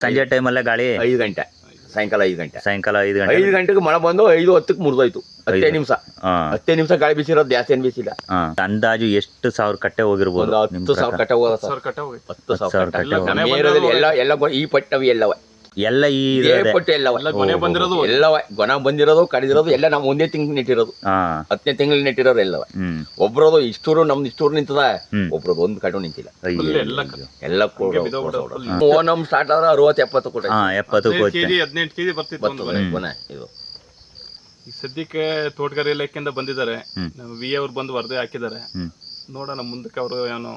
ಸಂಜೆ ಟೈಮಲ್ಲೇ ಗಾಳಿ 5 ಗಂಟೆ ಸಾಯಂಕಾಲ 5 ಗಂಟೆ 5 ಗಂಟೆಗೆ ಮಳೆ ಬಂದು 5:10ಕ್ಕೆ ಮುರಿದೋಯ್ತು. 10 ನಿಮಿಷ 10 ನಿಮಿಷ ಗಾಳಿ ಬೀಸಿರೋದು, ಜಾಸ್ತಿ ಏನು ಬೀಸಿಲ್ಲ. ಅಂದಾಜು ಎಷ್ಟು ಸಾವಿರ ಕಟ್ಟೆ ಹೋಗಿರ್ಬೋದು? 10,000 ಕಟ್ಟೆ ಹೋಗೋದು ಸರ್. 10,000 ಕಟ್ಟೆ ಎಲ್ಲ ಈ ಪಟ್ಟವಿ ಎಲ್ಲವ ಎಲ್ಲ ಈ ಪಟ್ಟು ಎಲ್ಲವ ಗೊನ ಬಂದಿರೋದು ಕಡಿದಿರೋದು ಎಲ್ಲ ನಾವು ಒಂದೇ ತಿಂಗಳು ನೆಟ್ಟಿರೋದು. 10ನೇ ತಿಂಗಳು ನೆಟ್ಟಿರೋರು ಎಲ್ಲವ. ಒಬ್ರದು ಇಷ್ಟೂರು ನಮ್ದು ಇಷ್ಟೂರು ನಿಂತದ, ಒಬ್ರದು ಒಂದು ಕಟ್ಟು ನಿಂತಿಲ್ಲ. ಎಲ್ಲ ಓನಮ್ ಸ್ಟಾರ್ಟ್ ಆದ್ರೆ 60-70 ಕೊಟ್ಟೆ. 18 ಕೆಜಿ ಬರ್ತಿತ್ತು ಗೊನ ಇದು. ಈ ಸದ್ಯಕ್ಕೆ ತೋಟಗಾರಿ ಇಲಾಖೆಯಿಂದ ಬಂದಿದ್ದಾರೆ, ವಿ ಅವ್ರು ಬಂದು ವರದಿ ಹಾಕಿದ್ದಾರೆ. ನೋಡೋಣ ಮುಂದಕ್ಕೆ ಅವರು ಏನೋ.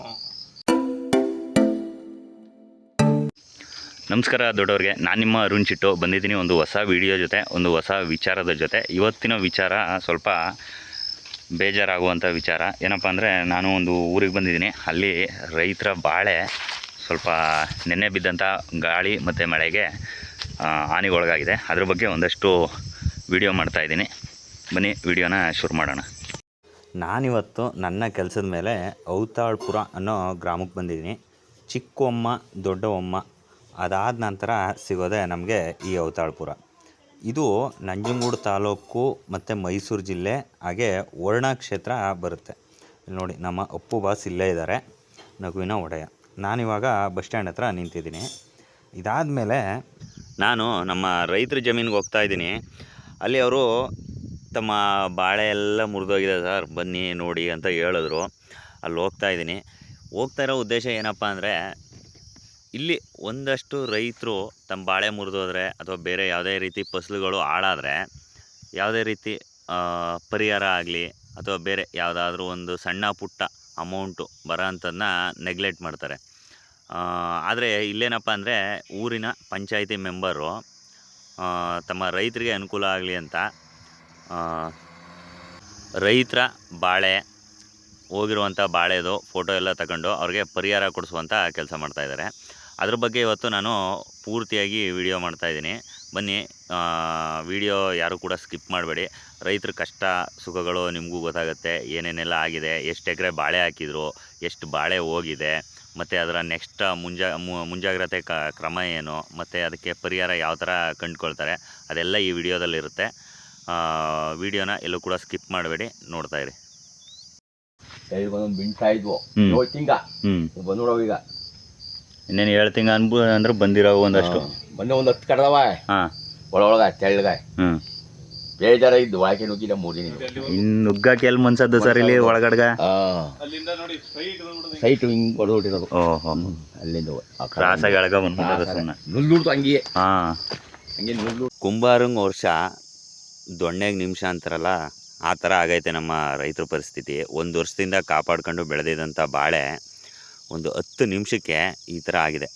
ನಮಸ್ಕಾರ ದೊಡ್ಡವ್ರಿಗೆ, ನಾನು ನಿಮ್ಮ ಅರುಣ್ ಚಿಟ್ಟು ಬಂದಿದ್ದೀನಿ ಒಂದು ಹೊಸ ವಿಡಿಯೋ ಜೊತೆ, ಒಂದು ಹೊಸ ವಿಚಾರದ ಜೊತೆ. ಇವತ್ತಿನ ವಿಚಾರ ಸ್ವಲ್ಪ ಬೇಜಾರಾಗುವಂಥ ವಿಚಾರ. ಏನಪ್ಪ ಅಂದರೆ, ನಾನು ಒಂದು ಊರಿಗೆ ಬಂದಿದ್ದೀನಿ. ಅಲ್ಲಿ ರೈತರ ಬಾಳೆ ಸ್ವಲ್ಪ ನೆನ್ನೆ ಬಿದ್ದಂಥ ಗಾಳಿ ಮತ್ತು ಮಳೆಗೆ ಹಾನಿಗೊಳಗಾಗಿದೆ. ಅದ್ರ ಬಗ್ಗೆ ಒಂದಷ್ಟು ವಿಡಿಯೋ ಮಾಡ್ತಾಯಿದ್ದೀನಿ. ಬನ್ನಿ ವಿಡಿಯೋನ ಶುರು ಮಾಡೋಣ. ನಾನಿವತ್ತು ನನ್ನ ಕೆಲಸದ ಮೇಲೆ ಔತಾಳ್ಪುರ ಅನ್ನೋ ಗ್ರಾಮಕ್ಕೆ ಬಂದಿದ್ದೀನಿ. ಚಿಕ್ಕಮ್ಮ ದೊಡ್ಡಮ್ಮ ಅದಾದ ನಂತರ ಸಿಗೋದೆ ನಮಗೆ ಈ ಔತಾಳ್ಪುರ. ಇದು ನಂಜನಗೂಡು ತಾಲೂಕು ಮತ್ತು ಮೈಸೂರು ಜಿಲ್ಲೆ, ಹಾಗೆ ವರ್ಣ ಕ್ಷೇತ್ರ ಬರುತ್ತೆ. ಇಲ್ಲಿ ನೋಡಿ, ನಮ್ಮ ಅಪ್ಪು ಬಾಸ್ ಇಲ್ಲೇ ಇದ್ದಾರೆ, ನಗುವಿನ ಒಡೆಯ. ನಾನಿವಾಗ ಬಸ್ ಸ್ಟ್ಯಾಂಡ್ ಹತ್ರ ನಿಂತಿದ್ದೀನಿ. ಇದಾದಮೇಲೆ ನಾನು ನಮ್ಮ ರೈತರ ಜಮೀನಿಗೆ ಹೋಗ್ತಾಯಿದ್ದೀನಿ. ಅಲ್ಲಿ ಅವರು ತಮ್ಮ ಬಾಳೆ ಎಲ್ಲ ಮುರಿದೋಗಿದೆ ಸರ್, ಬನ್ನಿ ನೋಡಿ ಅಂತ ಹೇಳಿದ್ರು. ಅಲ್ಲಿ ಹೋಗ್ತಾಯಿದ್ದೀನಿ. ಹೋಗ್ತಾ ಇರೋ ಉದ್ದೇಶ ಏನಪ್ಪ ಅಂದರೆ, ಇಲ್ಲಿ ಒಂದಷ್ಟು ರೈತರು ತಮ್ಮ ಬಾಳೆ ಮುರಿದೋದ್ರೆ ಅಥವಾ ಬೇರೆ ಯಾವುದೇ ರೀತಿ ಫಸಲುಗಳು ಹಾಳಾದರೆ ಯಾವುದೇ ರೀತಿ ಪರಿಹಾರ ಆಗಲಿ ಅಥವಾ ಬೇರೆ ಯಾವುದಾದ್ರೂ ಒಂದು ಸಣ್ಣ ಪುಟ್ಟ ಅಮೌಂಟು ಬರೋ ಅಂಥದ್ದನ್ನ ನೆಗ್ಲೆಕ್ಟ್ ಮಾಡ್ತಾರೆ. ಆದರೆ ಇಲ್ಲೇನಪ್ಪ ಅಂದರೆ, ಊರಿನ ಪಂಚಾಯಿತಿ ಮೆಂಬರು ತಮ್ಮ ರೈತರಿಗೆ ಅನುಕೂಲ ಆಗಲಿ ಅಂತ ರೈತರ ಬಾಳೆ ಹೋಗಿರುವಂಥ ಬಾಳೆದು ಫೋಟೋ ಎಲ್ಲ ತಗೊಂಡು ಅವ್ರಿಗೆ ಪರಿಹಾರ ಕೊಡಿಸುವಂಥ ಕೆಲಸ ಮಾಡ್ತಾಯಿದ್ದಾರೆ. ಅದ್ರ ಬಗ್ಗೆ ಇವತ್ತು ನಾನು ಪೂರ್ತಿಯಾಗಿ ವಿಡಿಯೋ ಮಾಡ್ತಾಯಿದ್ದೀನಿ. ಬನ್ನಿ, ವಿಡಿಯೋ ಯಾರು ಕೂಡ ಸ್ಕಿಪ್ ಮಾಡಬೇಡಿ. ರೈತರ ಕಷ್ಟ ಸುಖಗಳು ನಿಮಗೂ ಗೊತ್ತಾಗುತ್ತೆ. ಏನೇನೆಲ್ಲ ಆಗಿದೆ, ಎಷ್ಟು ಎಕರೆ ಬಾಳೆ ಹಾಕಿದ್ರು, ಎಷ್ಟು ಬಾಳೆ ಹೋಗಿದೆ, ಮತ್ತು ಅದರ ನೆಕ್ಸ್ಟ್ ಮುಂಜಾಗ್ರತೆ ಕ್ರಮ ಏನು, ಮತ್ತು ಅದಕ್ಕೆ ಪರಿಹಾರ ಯಾವ ಥರ ಕಂಡುಕೊಳ್ತಾರೆ, ಅದೆಲ್ಲ ಈ ವಿಡಿಯೋದಲ್ಲಿರುತ್ತೆ. ವಿಡಿಯೋನ ಎಲ್ಲೂ ಕೂಡ ಸ್ಕಿಪ್ ಮಾಡಬೇಡಿ, ನೋಡ್ತಾಯಿರಿ. ಬಿಂತಾ ಇದ್ವು 7 ತಿಂಗ ಬಂದ್ಬಿಡವ. ಈಗ ಇನ್ನೇನು 7 ತಿಂಗ ಅಂದ್ರೆ ಬಂದಿರೋ ಒಂದಷ್ಟು ಮೊನ್ನೆ ಒಂದು 10 ಕಡ್ದವ ಒಳಗ ತೆಳ್ಳಗ. ಬೇಜಾರ ಇದ್ದು ಒಳಗೆ ನುಗ್ಗಿಲ್ಲ 3 ದಿನ. ಇನ್ನು ನುಗ್ಗಕ್ಕೆ ಎಲ್ಲಿ ಮನ್ಸದ್ದು ಸರ್ ಇಲ್ಲಿ ಒಳಗಡ್ಗ? ಸೈಟ್ ಹಿಂಗ್ ಹೊಡೆದ್ಬಿಟ್ಟಿರೋದು. ಅಲ್ಲಿಂದ ಕ್ರಾಸಾಗಿ ಎಳಗ ಬಂದ್ಬಿಟ್ಟದ ಸುಮ್ಮನೆ ನುಲ್ದುಡ್ತು ಹಂಗೆ. ಹಂಗೆ ನುಲ್ದು ಕುಂಬಾರಂಗ್ ವರ್ಷ ದೊಣ್ಣೆಗೆ ನಿಮಿಷ ಅಂತಾರಲ್ಲ, ಆ ಥರ ಆಗೈತೆ ನಮ್ಮ ರೈತರ ಪರಿಸ್ಥಿತಿ. ಒಂದು ವರ್ಷದಿಂದ ಕಾಪಾಡ್ಕೊಂಡು ಬೆಳೆದಿದ್ದಂಥ ಬಾಳೆ ಒಂದು 10 ನಿಮಿಷಕ್ಕೆ ಈ ಥರ ಆಗಿದೆ.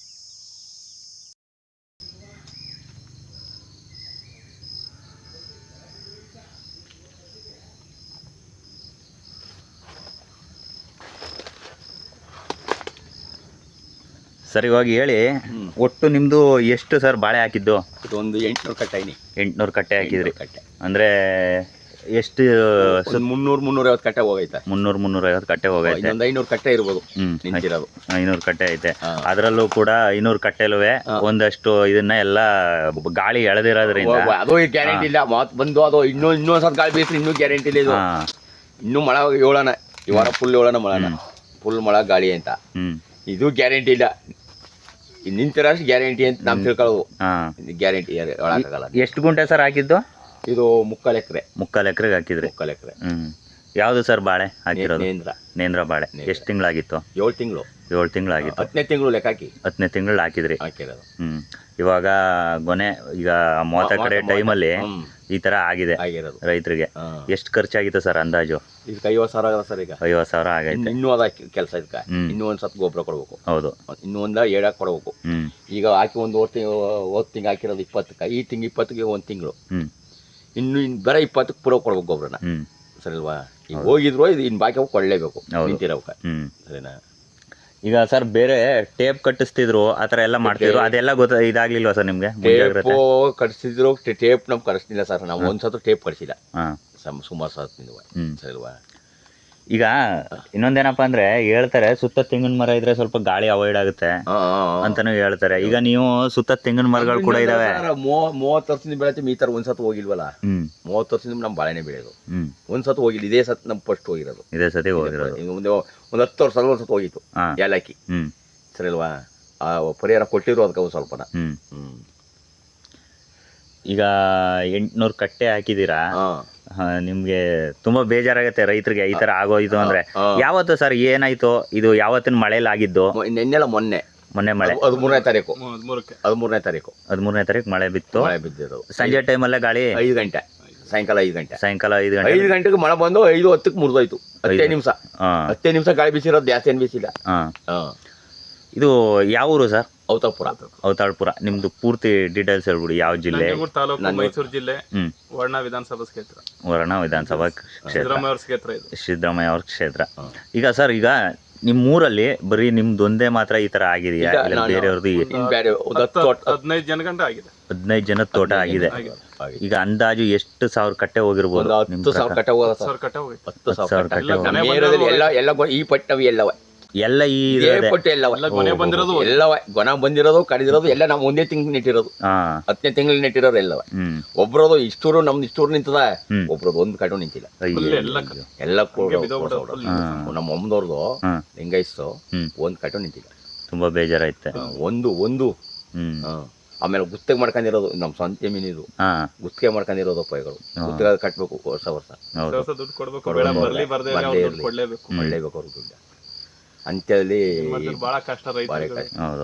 ಸರ್ ಇವಾಗ ಹೇಳಿ, ಒಟ್ಟು ನಿಮ್ಮದು ಎಷ್ಟು ಸರ್ ಬಾಳೆ ಹಾಕಿದ್ದು? ಒಂದು 800 ಕಟ್ಟೆ. 800 ಕಟ್ಟೆ ಹಾಕಿದ್ರಿ. ಅಂದರೆ ಎಷ್ಟು? 300-350 ಕಟ್ಟೆ ಹೋಗೈತೆ. 300-350 ಕಟ್ಟೆ ಹೋಗೈತೆ. 500 ಕಟ್ಟೆ ಇರ್ಬೋದು ನಿಂತಿರೋದು. 500 ಕಟ್ಟೆ ಐತೆ. ಅದರಲ್ಲೂ ಕೂಡ 500 ಕಟ್ಟೆಲುವೆ ಒಂದಷ್ಟು ಇದನ್ನ ಎಲ್ಲ ಗಾಳಿ ಎಳೆದಿರೋದ್ರಿಂದ ಅದು ಗ್ಯಾರಂಟಿ ಇಲ್ಲ. ಮಾತು ಬಂದು ಅದು ಇನ್ನೊಂದ್ಸಲ ಗಾಳಿ ಬೀಸ್ರಿ ಇನ್ನೂ ಗ್ಯಾರಂಟಿ ಇಲ್ಲ. ಇದು ಇನ್ನೂ ಮಳೆ ಏಳೋಣ, ಈ ವಾರ ಫುಲ್ ಏಳೋಣ ಮಳೆನ, ಫುಲ್ ಮಳೆ ಗಾಳಿ ಅಂತ. ಇದು ಗ್ಯಾರಂಟಿ ಇಲ್ಲ. ನಿಂತಿರೋಷ್ಟು ಗ್ಯಾರಂಟಿ ಅಂತ ನಾವು ತಿಳ್ಕೊಳ್ಳೋದು. ಗ್ಯಾರಂಟಿ ಹೇಳಕ್ಕಾಗಲ್ಲ. ಎಷ್ಟು ಗುಂಟೆ ಸರ್ ಹಾಕಿದ್ದು? ಇದು 3/4 ಎಕರೆ. 3/4 ಎಕರೆಗೆ ಹಾಕಿದ್ರಿ? 3/4 ಎಕರೆ. ಯಾವುದು ಸರ್ ಬಾಳೆ ಹಾಕಿರೋದು? ನೇಂದ್ರ ಬಾಳೆ. ಎಷ್ಟು ತಿಂಗಳಾಗಿತ್ತು? 7 ತಿಂಗಳು. 7 ತಿಂಗಳಾಗಿತ್ತು. 10ನೇ ತಿಂಗಳು ಲೆಕ್ಕ ಹಾಕಿ 10ನೇ ತಿಂಗಳು ಹಾಕಿದ್ರಿ. ಹಾಕಿರೋದು. ಇವಾಗ ಗೊನೆ ಈಗ 30 ಕಡೆ ಟೈಮಲ್ಲಿ ಈ ಥರ ಆಗಿದೆ ರೈತರಿಗೆ. ಎಷ್ಟು ಖರ್ಚಾಗಿತ್ತು ಸರ್ ಅಂದಾಜು? ಇದಕ್ಕೆ 50,000 ಆಗಲ್ಲ ಸರ್. ಈಗ 50,000 ಆಗೈತೆ. ಇನ್ನೂ ಅದ ಕೆಲಸ. ಇದಕ್ಕೆ ಇನ್ನೂ ಒಂದು ಸತ್ ಗೊಬ್ಬರ ಕೊಡ್ಬೇಕು. ಹೌದು, ಇನ್ನೂ ಒಂದು ಏಡಾಕ್ ಕೊಡ್ಬೇಕು. ಈಗ ಹಾಕಿ ಒಂದು ಹೋದ ತಿಂಗಳು ಹಾಕಿರೋದು 20ಕ್ಕೆ, ಈ ತಿಂಗಳು 20ಗೆ 1 ತಿಂಗಳು. ಇನ್ನು ಬರೀ 20ಕ್ಕೆ ಪೂರ ಕೊಡ್ಬೇಕು ಗೊಬ್ಬರನ. ಸರಿಲ್ವಾ? ಈಗ ಹೋಗಿದ್ರು ಇದು ಇನ್ನು ಬಾಕಿ ಕೊಡಲೇಬೇಕು ನಿಂತಿರೋಕೆ. ಸರಿನಾ? ಈಗ ಸರ್ ಬೇರೆ ಟೇಪ್ ಕಟ್ಟಿಸ್ತಿದ್ರು, ಆ ಥರ ಎಲ್ಲ ಮಾಡ್ತಿದ್ರು, ಅದೆಲ್ಲ ಇದಾಗ್ಲಿಲ್ವಾ ಸರ್ ನಿಮಗೆ? ಟೇಪ್ ಕಟ್ಸಿದ್ರು. ಟೇಪ್ ನಮ್ಗೆ ಕಳಿಸ್ತಿಲ್ಲ ಸರ್. ನಾವು ಒಂದ್ಸತ್ತು ಟೇಪ್ ಕಳಿಸಿಲ್ಲ ಸುಮಾರು ಸತ್ತಿಂದ. ಸರಿಲ್ವಾ? ಈಗ ಇನ್ನೊಂದೇನಪ್ಪ ಅಂದ್ರೆ ಹೇಳ್ತಾರೆ ಸುತ್ತ ತೆಂಗಿನ ಮರ ಇದ್ರೆ ಸ್ವಲ್ಪ ಗಾಳಿ ಅವಾಯ್ಡ್ ಆಗುತ್ತೆ ಅಂತಾನು ಹೇಳ್ತಾರೆ. ಈಗ ನೀವು ಸುತ್ತ ತೆಂಗಿನ ಮರಗಳು ಕೂಡ ಇದಾವೆ. 30 ವರ್ಷದಿಂದ ಬೆಳೆತೀವಿ, ಈ ತರ ಒಂದ್ಸತ್ ಹೋಗಿಲ್ವಲ್ಲ. 30 ವರ್ಷದಿಂದ ನಮ್ ಬಾಳೆನೆ ಬೆಳೆಯೋದು, ಒಂದ್ಸತ್ ಹೋಗಿಲ್ಲ. ಇದೇ ಸತ್ ನಮ್ ಫಸ್ಟ್ ಹೋಗಿರೋದು, ಇದೇ ಸತಿ ಹೋಗಿರೋದು. ಒಂದ್ 10 ವರ್ಷ ಒಂದ್ಸತ್ ಹೋಗಿತ್ತು ಏಲಕ್ಕಿ. ಸರಿ ಅಲ್ವಾ? ಆ ಪರಿಹಾರ ಕೊಟ್ಟಿರೋ ಅದಕ್ಕೆ ಸ್ವಲ್ಪನ. ಈಗ 800 ಕಟ್ಟೆ ಹಾಕಿದೀರಾ, ನಿಮ್ಗೆ ತುಂಬಾ ಬೇಜಾರಾಗತ್ತೆ ರೈತರಿಗೆ ಈ ತರ ಆಗೋಯ್ತು ಅಂದ್ರೆ. ಯಾವತ್ತು ಸರ್ ಏನಾಯ್ತು ಇದು? ಯಾವತ್ತಿನ ಮಳೆಯಲ್ಲಿ ಆಗಿದ್ದು? ಮೊನ್ನೆ ಮಳೆ 13ನೇ ತಾರೀಕು. 13ನೇ ತಾರೀಕು ಮಳೆ ಬಿತ್ತು. ಸಂಜೆ ಟೈಮಲ್ಲೇ ಗಾಳಿ 5 ಗಂಟೆ, ಸಾಯಂಕಾಲ 5 ಗಂಟೆ. 5 ಗಂಟೆಗೆ ಮಳೆ ಬಂದು 5:10 ಮುರಿದೋಯ್ತು. 10 ನಿಮಿಷ ಗಾಳಿ ಬೀಸಿರೋದು, ಜಾಸ್ತಿ ಏನು ಬೀಸಿಲ್ಲ. ಇದು ಯಾವ ಊರು ಸರ್? ಔತಾಳ್ಪುರ. ನಿಮ್ದು ಪೂರ್ತಿ ಡೀಟೇಲ್ಸ್ ಹೇಳ್ಬಿಡಿ. ಯಾವ ಜಿಲ್ಲೆ? ತಾಲೂಕು, ಮೈಸೂರು ಜಿಲ್ಲೆ, ವರ್ಣ ವಿಧಾನಸಭಾ ಕ್ಷೇತ್ರ. ವರ್ಣ ವಿಧಾನಸಭಾ ಕ್ಷೇತ್ರ, ಸಿದ್ದರಾಮಯ್ಯ ಅವ್ರ ಕ್ಷೇತ್ರ. ಈಗ ಸರ್, ಈಗ ನಿಮ್ಮೂರಲ್ಲಿ ಬರೀ ನಿಮ್ದೊಂದೇ ಮಾತ್ರ ಈ ತರ ಆಗಿದೆಯಾ? ಇಲ್ಲ ಬೇರೆಯವ್ರದ್ದು? 15 ಜನ ಗಂಟ ಆಗಿದೆ. 15 ಜನದ ತೋಟ ಆಗಿದೆ. ಈಗ ಅಂದಾಜು ಎಷ್ಟು ಸಾವಿರ ಕಟ್ಟೆ ಹೋಗಿರ್ಬೋದು? 10,000 ಕಟ್ಟೆ ಹೋಗೋದು. 10,000 ಕಟ್ಟೆ ಹೋಗಿ. 10,000 ಕಟ್ಟೆ ಎಲ್ಲ ಈ ಪಟ್ಟವಿ ಎಲ್ಲವ ಎಲ್ಲ ಈ ಪಟ್ಟು ಎಲ್ಲವ ಗೊನ ಬಂದಿರೋದು, ಕಡಿದಿರೋದು ಎಲ್ಲ ನಾವು ಒಂದೇ ತಿಂಗಳು ನೆಟ್ಟಿರೋದು. 10ನೇ ತಿಂಗಳು ನೆಟ್ಟಿರೋದು ಎಲ್ಲವ. ಒಬ್ರದು ಇಷ್ಟೂರು, ನಮ್ದು ಇಷ್ಟೂರು ನಿಂತದ, ಒಬ್ರದು ಒಂದು ಕಟ್ಟು ನಿಂತಿಲ್ಲ. ಎಲ್ಲ ನಮ್ಮ ಅಮ್ಮದವ್ರದು ಲಿಂಗಾಯಿಸ್ತು, ಒಂದ್ ಕಟ್ಟು ನಿಂತಿಲ್ಲ. ತುಂಬಾ ಬೇಜಾರಾಯ್ತು. ಒಂದು ಆಮೇಲೆ ಗುತ್ತಿಗೆ ಮಾಡ್ಕೊಂಡಿರೋದು ನಮ್ ಸ್ವಂತ ಜಮೀನಿದು, ಗುತ್ತಿಗೆ ಮಾಡ್ಕೊಂಡಿರೋದು ಪೈಗಳು. ಗುತ್ತಿಗೆ ಕಟ್ಬೇಕು ವರ್ಷ ದುಡ್ಡು ಕೊಡ್ಬೇಕು, ಕೊಡ್ಲೇಬೇಕು ಅವ್ರಿಗೆ ದುಡ್ಡು ಅಂತೇಳಿ. ಬಹಳ ಕಷ್ಟ ರೈತರಿಗೆ.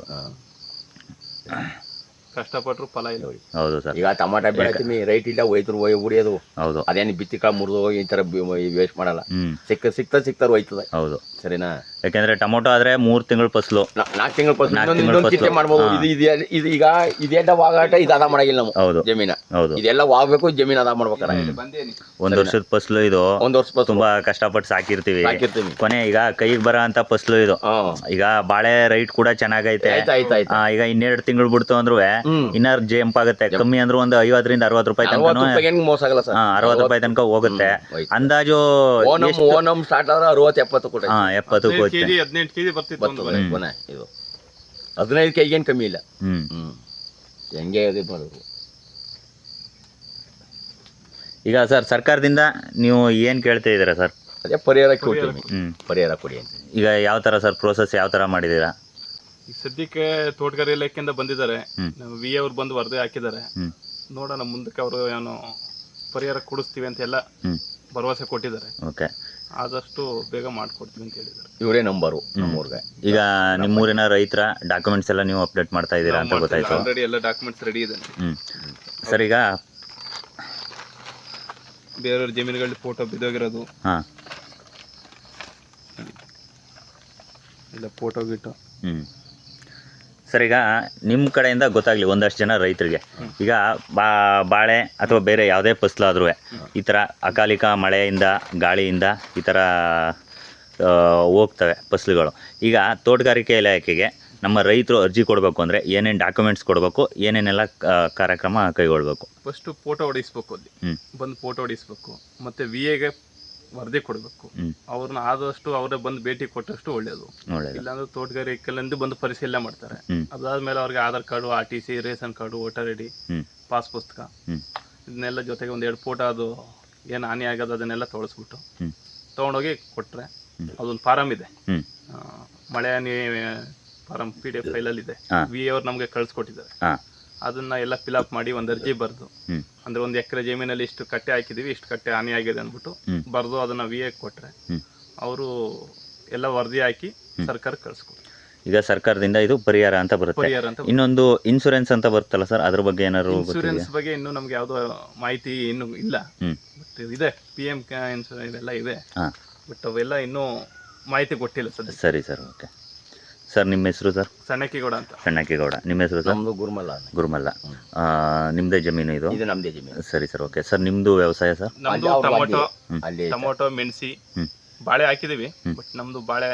ಕಷ್ಟಪಟ್ಟರು ಫಲ ಇಲ್ಲ. ಹೌದು ಸರ್. ಈಗ ಟಮಾಟ ಬೆಳಿತೀನಿ, ರೈಟ್ ಇಲ್ಲ, ಹೋಯ್ತರು ಹೊಡಿಯೋದು. ಹೌದು. ಅದೇನು ಬಿತ್ತಿ ಕಾಳು ಮುರಿದು ಹೋಗಿ ಈ ತರ ವೇಸ್ಟ್ ಮಾಡಲ್ಲ. ಸಿಕ್ತಾರ ಹೋಯ್ತದೆ. ಹೌದು, ಸರಿನಾ? ಯಾಕಂದ್ರೆ ಟೊಮೊಟೊ ಆದ್ರೆ 3 ತಿಂಗಳು ಫಸಲು, 4 ತಿಂಗಳು ಫಸಲು ಮಾಡ್ಬೋದು. ಇದು ಈಗ ಇದೆಲ್ಲ ವಾಗಾಟ, ಇದು ಅದ ಮಾಡಾಗಿಲ್ಲ ನಾವು. ಹೌದು, ಜಮೀನ. ಹೌದು, ಇದೆಲ್ಲ ವಾಗ್ಬೇಕು, ಜಮೀನ್ ಅದ ಮಾಡ್ಬೇಕಾರ. 1 ವರ್ಷದ ಫಸಲು ಇದು. 1 ವರ್ಷ ತುಂಬಾ ಕಷ್ಟಪಟ್ಟು ಸಾಕಿರ್ತೀವಿ. ಕೊನೆ ಈಗ ಕೈಗೆ ಬರೋ ಅಂತ ಫಸಲು ಇದು. ಈಗ ಬಾಳೆ ರೈಟ್ ಕೂಡ ಚೆನ್ನಾಗೈತೆ. ಈಗ 12 ತಿಂಗಳು ಬಿಡ್ತು ಅಂದ್ರೂ ಇನ್ನ ಜಂಪ್ ಆಗುತ್ತೆ. ಕಮ್ಮಿ ಅಂದ್ರೆ ಒಂದು 50 ರಿಂದ 60 ರೂಪಾಯಿ ತನಕ, 60 ರೂಪಾಯಿ ತನಕ ಹೋಗುತ್ತೆ ಅಂದಾಜು. ಓನಮ್ ಸ್ಟಾರ್ಟ್ ಆದ್ರೆ 60-70 ಕೊಟ್ಟೆ. 70 18 ಕೆಜಿ ಬರ್ತಿತ್ತು. ಇದು 15 ಕೆಜಿ ಏನು ಕಮ್ಮಿ ಇಲ್ಲ. ಹೆಂಗೆ ಮಾಡೋದು? ಈಗ ಸರ್, ಸರ್ಕಾರದಿಂದ ನೀವು ಏನ್ ಕೇಳ್ತಾ ಇದ್ದೀರಾ ಸರ್? ಅದೇ ಪರಿಹಾರ ಕೊಡ್ತೀವಿ, ಪರಿಹಾರ ಕೊಡಿ ಅಂತ. ಈಗ ಯಾವ ತರ ಸರ್ ಪ್ರೋಸೆಸ್ ಯಾವ ತರ ಮಾಡಿದೀರಾ? ಈಗ ಸದ್ಯಕ್ಕೆ ತೋಟಗಾರಿ ಇಲಾಖೆಯಿಂದ ಬಂದಿದ್ದಾರೆ, ವಿ ಅವ್ರು ಬಂದು ವರದಿ ಹಾಕಿದ್ದಾರೆ. ನೋಡೋಣ ಮುಂದಕ್ಕೆ ಅವರು ಏನು ಪರಿಹಾರ ಕೊಡಿಸ್ತೀವಿ ಅಂತ ಎಲ್ಲ ಭರವಸೆ ಕೊಟ್ಟಿದ್ದಾರೆ. ಓಕೆ, ಆದಷ್ಟು ಬೇಗ ಮಾಡ್ಕೊಡ್ತೀವಿ ಅಂತ ಹೇಳಿದ್ದಾರೆ. ಇವರೇ ನಂಬರು ನಮ್ಮೂರ್ಗೆ. ಈಗ ನಿಮ್ಮೂರಿನ ರೈತರ ಡಾಕ್ಯುಮೆಂಟ್ಸ್ ಎಲ್ಲ ನೀವು ಅಪ್ಡೇಟ್ ಮಾಡ್ತಾ ಇದ್ದೀರಾ ಅಂತ ಗೊತ್ತಾಯ್ತು. ಆಲ್ರೆಡಿ ಎಲ್ಲ ಡಾಕ್ಯುಮೆಂಟ್ಸ್ ರೆಡಿ ಇದೆ ಸರ್. ಈಗ ಬೇರೆಯವ್ರ ಜಮೀನುಗಳಲ್ಲಿ ಫೋಟೋ ಬಿದ್ದೋಗಿರೋದು, ಇಲ್ಲ ಫೋಟೋ ಗಿಟ್ಟು. ಸರ್, ಈಗ ನಿಮ್ಮ ಕಡೆಯಿಂದ ಗೊತ್ತಾಗಲಿ ಒಂದಷ್ಟು ಜನ ರೈತರಿಗೆ, ಈಗ ಬಾಳೆ ಅಥವಾ ಬೇರೆ ಯಾವುದೇ ಫಸಲಾದ್ರೂ ಈ ಥರ ಅಕಾಲಿಕ ಮಳೆಯಿಂದ ಗಾಳಿಯಿಂದ ಈ ಥರ ಹೋಗ್ತವೆ ಫಸಲುಗಳು. ಈಗ ತೋಟಗಾರಿಕೆ ಇಲಾಖೆಗೆ ನಮ್ಮ ರೈತರು ಅರ್ಜಿ ಕೊಡಬೇಕು ಅಂದರೆ ಏನೇನು ಡಾಕ್ಯುಮೆಂಟ್ಸ್ ಕೊಡಬೇಕು, ಏನೇನೆಲ್ಲ ಕಾರ್ಯಕ್ರಮ ಕೈಗೊಳ್ಬೇಕು? ಫಸ್ಟು ಫೋಟೋ ಹೊಡಿಸ್ಬೇಕು, ಅಲ್ಲಿ ಬಂದು ಫೋಟೋ ಹೊಡಿಸ್ಬೇಕು. ಮತ್ತು ವಿ ಎಗೆ ವರದಿ ಕೊಡಬೇಕು. ಅವ್ರನ್ನ ಆದಷ್ಟು ಅವರೇ ಬಂದು ಭೇಟಿ ಕೊಟ್ಟಷ್ಟು ಒಳ್ಳೇದು. ಇಲ್ಲಾಂದ್ರೆ ತೋಟಗಾರಿಕೆಲ್ಲಿಂದ ಬಂದು ಪರಿಶೀಲನೆ ಮಾಡ್ತಾರೆ. ಅದಾದ್ಮೇಲೆ ಅವ್ರಿಗೆ Aadhaar card, RTC, ration card, voter ID, pass ಪುಸ್ತಕ ಇದನ್ನೆಲ್ಲ ಜೊತೆಗೆ 1-2 ಫೋಟೋ, ಅದು ಏನು ಹಾನಿ ಆಗೋದು ಅದನ್ನೆಲ್ಲ ತೋರಿಸ್ಬಿಟ್ಟು ತೊಗೊಂಡೋಗಿ ಕೊಟ್ಟರೆ, ಅದೊಂದು ಫಾರಮ್ ಇದೆ, ಮಳೆ ಹಾನಿ ಫಾರಮ್ PDF ಫೈಲಲ್ಲಿ ಇದೆ. ವಿ ಅವ್ರು ನಮಗೆ ಕಳಿಸ್ಕೊಟ್ಟಿದ್ದಾರೆ. ಅದನ್ನ ಎಲ್ಲ ಫಿಲಪ್ ಮಾಡಿ ಒಂದು ಅರ್ಜಿ ಬರೆದು, ಅಂದ್ರೆ 1 ಎಕರೆ ಜಮೀನಲ್ಲಿ ಇಷ್ಟು ಕಟ್ಟೆ ಹಾಕಿದೀವಿ, ಇಷ್ಟು ಕಟ್ಟೆ ಹಾನಿ ಆಗಿದೆ ಅಂದ್ಬಿಟ್ಟು ಬರೆದು ಅದನ್ನ ವಿ ಕೊಟ್ರೆ ಅವರು ಎಲ್ಲ ವರದಿ ಹಾಕಿ ಸರ್ಕಾರಕ್ಕೆ ಕಳಿಸ್ಕೊಡ್ತಾರೆ. ಈಗ ಸರ್ಕಾರದಿಂದ ಇದು ಪರಿಹಾರ ಅಂತ ಬರುತ್ತೆ. ಇನ್ನೊಂದು ಇನ್ಶೂರೆನ್ಸ್ ಅಂತ ಬರುತ್ತಲ್ಲ ಸರ್, ಅದ್ರ ಬಗ್ಗೆ ಏನಾದ್ರು? ಇನ್ಶೂರೆನ್ಸ್ ಬಗ್ಗೆ ಇನ್ನೂ ನಮ್ಗೆ ಯಾವುದೋ ಮಾಹಿತಿ ಇನ್ನೂ ಇಲ್ಲ. ಬಟ್ ಇದೆ, PM ಇನ್ಶೂರೆನ್ಸ್ ಇವೆಲ್ಲ ಇದೆ, ಬಟ್ ಅವೆಲ್ಲ ಇನ್ನೂ ಮಾಹಿತಿ ಕೊಟ್ಟಿಲ್ಲ ಸರ್. ಸರಿ ಸರ್, ಓಕೆ ಸರ್. ನಿಮ್ಮ ಹೆಸರು ಸರ್? ಸಣ್ಣಕ್ಕಿಗೌಡ ಅಂತ. ಸಣ್ಣಕ್ಕಿಗೌಡ. ನಿಮ್ಮ ಹೆಸರು ಸರ್? ಗುರುಮಲ್ಲ. ನಿಮ್ಮದೇ ಜಮೀನು ಇದು? ನಮ್ಮದೇ ಜಮೀನು. ಸರಿ ಸರ್, ಓಕೆ ಸರ್. ನಿಮ್ಮದು ವ್ಯವಸಾಯ ಸರ್? ಟೊಮೊಟೊ, ಮೆಣಸಿ, ಬಾಳೆ ಹಾಕಿದೀವಿ, ಬಟ್ ನಮ್ದು ಬಾಳೆ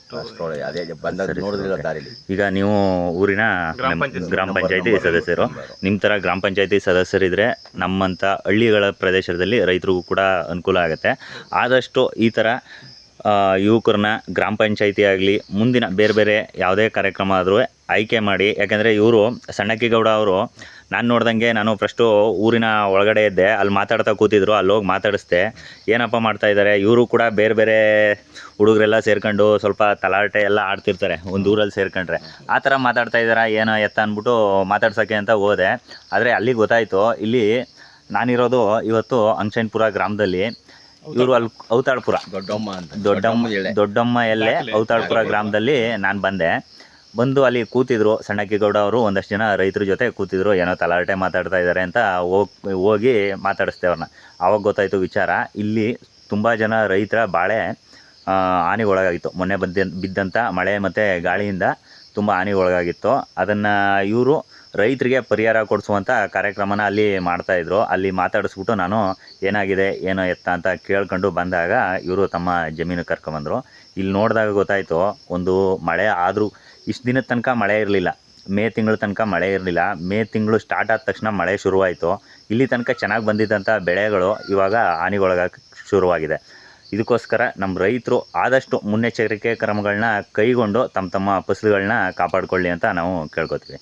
ಈಗ ನೀವು ಊರಿನ ಗ್ರಾಮ ಪಂಚಾಯತಿ ಸದಸ್ಯರು. ನಿಮ್ಮ ಥರ ಗ್ರಾಮ ಪಂಚಾಯತಿ ಸದಸ್ಯರಿದ್ರೆ ನಮ್ಮಂಥ ಹಳ್ಳಿಗಳ ಪ್ರದೇಶದಲ್ಲಿ ರೈತರಿಗೂ ಕೂಡ ಅನುಕೂಲ ಆಗುತ್ತೆ. ಆದಷ್ಟು ಈ ಥರ ಯುವಕರನ್ನ ಗ್ರಾಮ ಪಂಚಾಯಿತಿ ಆಗಲಿ ಮುಂದಿನ ಬೇರೆ ಬೇರೆ ಯಾವುದೇ ಕಾರ್ಯಕ್ರಮ ಆದರೂ ಆಯ್ಕೆ ಮಾಡಿ. ಯಾಕೆಂದರೆ ಇವರು ಸಣ್ಣಕ್ಕಿಗೌಡ ಅವರು ನಾನು ನೋಡ್ದಂಗೆ ನಾನು ಫಸ್ಟು ಊರಿನ ಒಳಗಡೆ ಇದ್ದೆ, ಅಲ್ಲಿ ಮಾತಾಡ್ತಾ ಕೂತಿದ್ರು, ಅಲ್ಲಿ ಹೋಗಿ ಮಾತಾಡಿಸ್ದೆ ಏನಪ್ಪ ಮಾಡ್ತಾಯಿದ್ದಾರೆ ಇವರು ಕೂಡ ಬೇರೆ ಬೇರೆ ಹುಡುಗರೆಲ್ಲ ಸೇರ್ಕೊಂಡು ಸ್ವಲ್ಪ ತಲಾಟೆ ಎಲ್ಲ ಆಡ್ತಿರ್ತಾರೆ ಒಂದು ಊರಲ್ಲಿ ಸೇರ್ಕೊಂಡ್ರೆ, ಆ ಥರ ಮಾತಾಡ್ತಾ ಇದ್ದಾರೆ ಏನೋ ಎತ್ತ ಅಂದ್ಬಿಟ್ಟು ಮಾತಾಡ್ಸೋಕ್ಕೆ ಅಂತ ಹೋದೆ. ಆದರೆ ಅಲ್ಲಿ ಗೊತ್ತಾಯಿತು ಇಲ್ಲಿ ನಾನಿರೋದು ಇವತ್ತು ಅಂಶನ್ಪುರ ಗ್ರಾಮದಲ್ಲಿ, ಇವರು ಅಲ್ಲಿ ಔತಾಳ್ಪುರ ದೊಡ್ಡಮ್ಮ ಅಂತ ದೊಡ್ಡಮ್ಮ ಎಲ್ಲೇ ಔತಾಳ್ಪುರ ಗ್ರಾಮದಲ್ಲಿ ನಾನು ಬಂದು ಅಲ್ಲಿ ಕೂತಿದ್ರು ಸಣ್ಣಕ್ಕಿಗೌಡ ಅವರು, ಒಂದಷ್ಟು ಜನ ರೈತರ ಜೊತೆ ಕೂತಿದ್ರು, ಏನೋ ತಲಾಟೆ ಮಾತಾಡ್ತಾ ಇದ್ದಾರೆ ಅಂತ ಹೋಗಿ ಮಾತಾಡಿಸ್ದೆ ಅವ್ರನ್ನ. ಆವಾಗ ಗೊತ್ತಾಯಿತು ವಿಚಾರ, ಇಲ್ಲಿ ತುಂಬ ಜನ ರೈತರ ಬಾಳೆ ಹಾನಿಗೊಳಗಾಗಿತ್ತು. ಮೊನ್ನೆ ಬಿದ್ದಂಥ ಮಳೆ ಮತ್ತು ಗಾಳಿಯಿಂದ ತುಂಬ ಹಾನಿಗೊಳಗಾಗಿತ್ತು. ಅದನ್ನು ಇವರು ರೈತರಿಗೆ ಪರಿಹಾರ ಕೊಡಿಸುವಂಥ ಕಾರ್ಯಕ್ರಮನ ಅಲ್ಲಿ ಮಾಡ್ತಾಯಿದ್ರು. ಅಲ್ಲಿ ಮಾತಾಡಿಸ್ಬಿಟ್ಟು ನಾನು ಏನಾಗಿದೆ ಏನೋ ಎತ್ತ ಅಂತ ಕೇಳ್ಕೊಂಡು ಬಂದಾಗ ಇವರು ತಮ್ಮ ಜಮೀನು ಕರ್ಕೊಂಬಂದರು. ಇಲ್ಲಿ ನೋಡಿದಾಗ ಗೊತ್ತಾಯಿತು, ಒಂದು ಮಳೆ ಆದರೂ ಇಷ್ಟು ದಿನದ ತನಕ ಮಳೆ ಇರಲಿಲ್ಲ, ಮೇ ತಿಂಗಳ ತನಕ ಮಳೆ ಇರಲಿಲ್ಲ. ಮೇ ತಿಂಗಳು ಸ್ಟಾರ್ಟ್ ಆದ ತಕ್ಷಣ ಮಳೆ ಶುರುವಾಯಿತು. ಇಲ್ಲಿ ತನಕ ಚೆನ್ನಾಗಿ ಬಂದಿದ್ದಂಥ ಬೆಳೆಗಳು ಇವಾಗ ಹಾನಿಗೊಳಗಕ್ಕೆ ಶುರುವಾಗಿದೆ. ಇದಕ್ಕೋಸ್ಕರ ನಮ್ಮ ರೈತರು ಆದಷ್ಟು ಮುನ್ನೆಚ್ಚರಿಕೆ ಕ್ರಮಗಳನ್ನ ಕೈಗೊಂಡು ತಮ್ಮ ಫಸಲುಗಳನ್ನ ಕಾಪಾಡಿಕೊಳ್ಳಿ ಅಂತ ನಾವು ಕೇಳ್ಕೊತೀವಿ.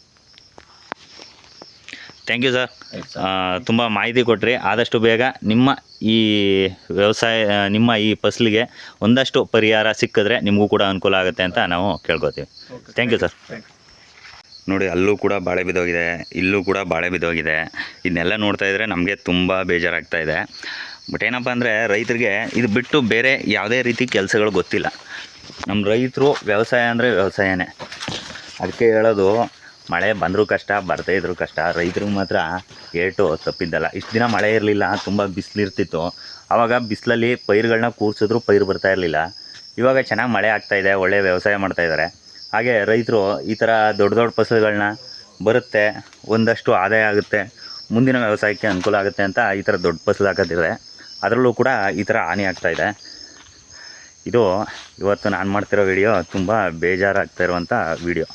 ಥ್ಯಾಂಕ್ ಯು ಸರ್, ತುಂಬ ಮಾಹಿತಿ ಕೊಟ್ರಿ. ಆದಷ್ಟು ಬೇಗ ನಿಮ್ಮ ಈ ವ್ಯವಸಾಯ ನಿಮ್ಮ ಈ ಫಸಲಿಗೆ ಒಂದಷ್ಟು ಪರಿಹಾರ ಸಿಕ್ಕಿದ್ರೆ ನಿಮಗೂ ಕೂಡ ಅನುಕೂಲ ಆಗುತ್ತೆ ಅಂತ ನಾವು ಕೇಳ್ಕೊತೀವಿ. Thank you sir. ನೋಡಿ, ಅಲ್ಲೂ ಕೂಡ ಬಾಳೆ ಬಿದ್ದೋಗಿದೆ, ಇಲ್ಲೂ ಕೂಡ ಬಾಳೆ ಬಿದ್ದೋಗಿದೆ. ಇದನ್ನೆಲ್ಲ ನೋಡ್ತಾ ಇದ್ದರೆ ನಮಗೆ ತುಂಬ ಬೇಜಾರಾಗ್ತಾ ಇದೆ. ಬಟ್ ಏನಪ್ಪ ಅಂದರೆ ರೈತರಿಗೆ ಇದು ಬಿಟ್ಟು ಬೇರೆ ಯಾವುದೇ ರೀತಿ ಕೆಲಸಗಳು ಗೊತ್ತಿಲ್ಲ. ನಮ್ಮ ರೈತರು ವ್ಯವಸಾಯ ಅಂದರೆ ವ್ಯವಸಾಯನೇ. ಅದಕ್ಕೆ ಹೇಳೋದು, ಮಳೆ ಬಂದರೂ ಕಷ್ಟ, ಬರದೇ ಇದ್ರೂ ಕಷ್ಟ, ರೈತರಿಗೆ ಮಾತ್ರ ಏಟು ತಪ್ಪಿದ್ದಲ್ಲ. ಇಷ್ಟು ದಿನ ಮಳೆ ಇರಲಿಲ್ಲ, ತುಂಬ ಬಿಸಿಲಿರ್ತಿತ್ತು. ಆವಾಗ ಬಿಸಿಲಲ್ಲಿ ಪೈರುಗಳನ್ನ ಕೂರಿಸಿದ್ರು ಪೈರು ಬರ್ತಾ ಇರಲಿಲ್ಲ. ಇವಾಗ ಚೆನ್ನಾಗಿ ಮಳೆ ಆಗ್ತಾಯಿದೆ, ಒಳ್ಳೆಯ ವ್ಯವಸಾಯ ಮಾಡ್ತಾಯಿದ್ದಾರೆ. ಹಾಗೆ ರೈತರು ಈ ಥರ ದೊಡ್ಡ ದೊಡ್ಡ ಫಸಲುಗಳನ್ನ ಬರುತ್ತೆ, ಒಂದಷ್ಟು ಆದಾಯ ಆಗುತ್ತೆ, ಮುಂದಿನ ವ್ಯವಸಾಯಕ್ಕೆ ಅನುಕೂಲ ಆಗುತ್ತೆ ಅಂತ ಈ ಥರ ದೊಡ್ಡ ಫಸಲು ಹಾಕೋದಿದೆ. ಅದರಲ್ಲೂ ಕೂಡ ಈ ಥರ ಹಾನಿ ಆಗ್ತಾಯಿದೆ. ಇದು ಇವತ್ತು ನಾನು ಮಾಡ್ತಿರೋ ವಿಡಿಯೋ ತುಂಬ ಬೇಜಾರಾಗ್ತಾ ಇರುವಂಥ ವಿಡಿಯೋ.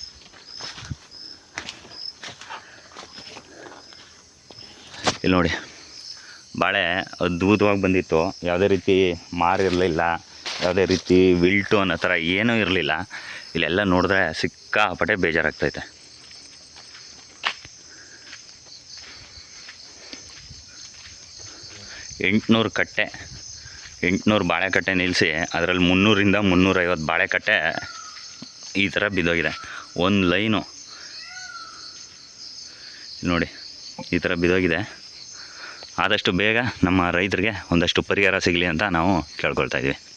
ಇಲ್ಲಿ ನೋಡಿ, ಬಾಳೆ ಅದ್ಭುತವಾಗಿ ಬಂದಿತ್ತು, ಯಾವುದೇ ರೀತಿ ಮಾರಿರಲಿಲ್ಲ, ಯಾವುದೇ ರೀತಿ ವಿಲ್ಟು ಅನ್ನೋ ಥರ ಏನೂ ಇರಲಿಲ್ಲ. ಇಲ್ಲೆಲ್ಲ ನೋಡಿದ್ರೆ ಸಿಕ್ಕಾಪಟ್ಟೆ ಬೇಜಾರಾಗ್ತೈತೆ. ಕಟ್ಟೆ 800 ಬಾಳೆಕಟ್ಟೆ ನಿಲ್ಲಿಸಿ ಅದರಲ್ಲಿ 300ರಿಂದ 350 ಬಾಳೆಕಟ್ಟೆ ಈ ಥರ ಬಿದ್ದೋಗಿದೆ. ಒಂದು ಲೈನು ನೋಡಿ ಈ ಥರ ಬಿದ್ದೋಗಿದೆ. ಆದಷ್ಟು ಬೇಗ ನಮ್ಮ ರೈತರಿಗೆ ಒಂದಷ್ಟು ಪರಿಹಾರ ಸಿಗಲಿ ಅಂತ ನಾವು ಕೇಳ್ಕೊಳ್ತಾ ಇದ್ದೀವಿ.